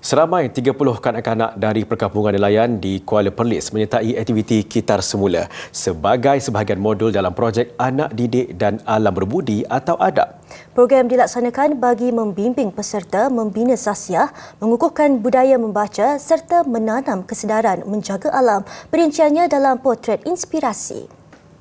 Seramai 30 kanak-kanak dari perkampungan nelayan di Kuala Perlis menyertai aktiviti Kitar Semula sebagai sebahagian modul dalam projek Anak Didik dan Alam Berbudi atau ADAB. Program dilaksanakan bagi membimbing peserta membina sasiah, mengukuhkan budaya membaca serta menanam kesedaran menjaga alam. Perinciannya dalam potret inspirasi.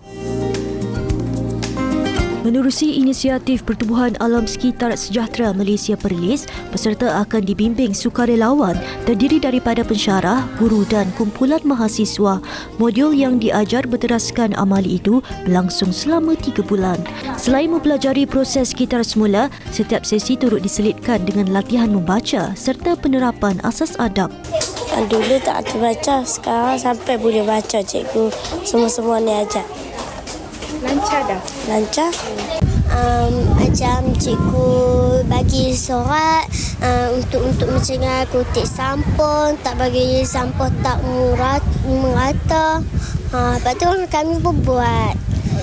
Menerusi inisiatif Pertubuhan Alam Sekitar Sejahtera Malaysia Perlis, peserta akan dibimbing sukarelawan terdiri daripada pensyarah, guru dan kumpulan mahasiswa. Modul yang diajar berteraskan amali itu berlangsung selama 3 bulan. Selain mempelajari proses kitar semula, setiap sesi turut diselitkan dengan latihan membaca serta penerapan asas adab. Dulu tak baca, sekarang sampai boleh baca cikgu. Semua-semua ni ajar. Lancar dah? Lancar. Macam cikgu bagi surat untuk mencegah kutip sampul, tak bagi sampul tak merata. Lepas tu kami pun buat.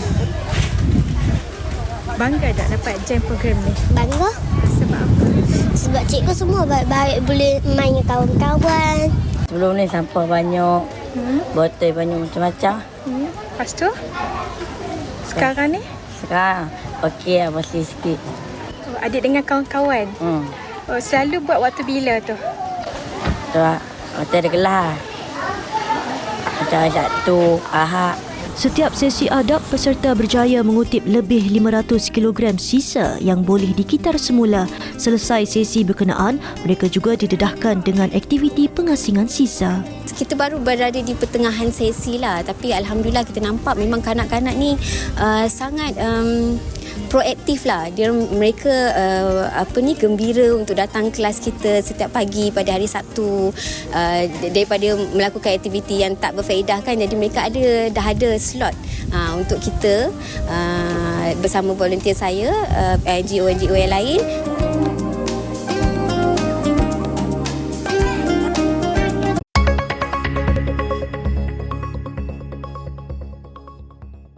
Bangga tak dapat join program ni? Bangga. Sebab apa? Sebab cikgu semua baik-baik, boleh main dengan kawan-kawan. Sebelum ni sampah banyak, botol banyak macam-macam. Lepas tu? Sekarang ni? Sekarang okey lah, masih sikit. Oh, adik dengan kawan-kawan? Oh, selalu buat waktu bila tu? Tu lah, macam ada kelas. Macam Sabtu, Ahad. Setiap sesi adab, peserta berjaya mengutip lebih 500 kg sisa yang boleh dikitar semula. Selesai sesi berkenaan, mereka juga didedahkan dengan aktiviti pengasingan sisa. Kita baru berada di pertengahan sesi lah, tapi alhamdulillah kita nampak memang kanak-kanak ni sangat proaktif lah. Mereka gembira untuk datang kelas kita setiap pagi pada hari Sabtu, daripada melakukan aktiviti yang tak berfaedah kan. Jadi mereka dah ada slot untuk kita bersama volunteer saya, NGO yang lain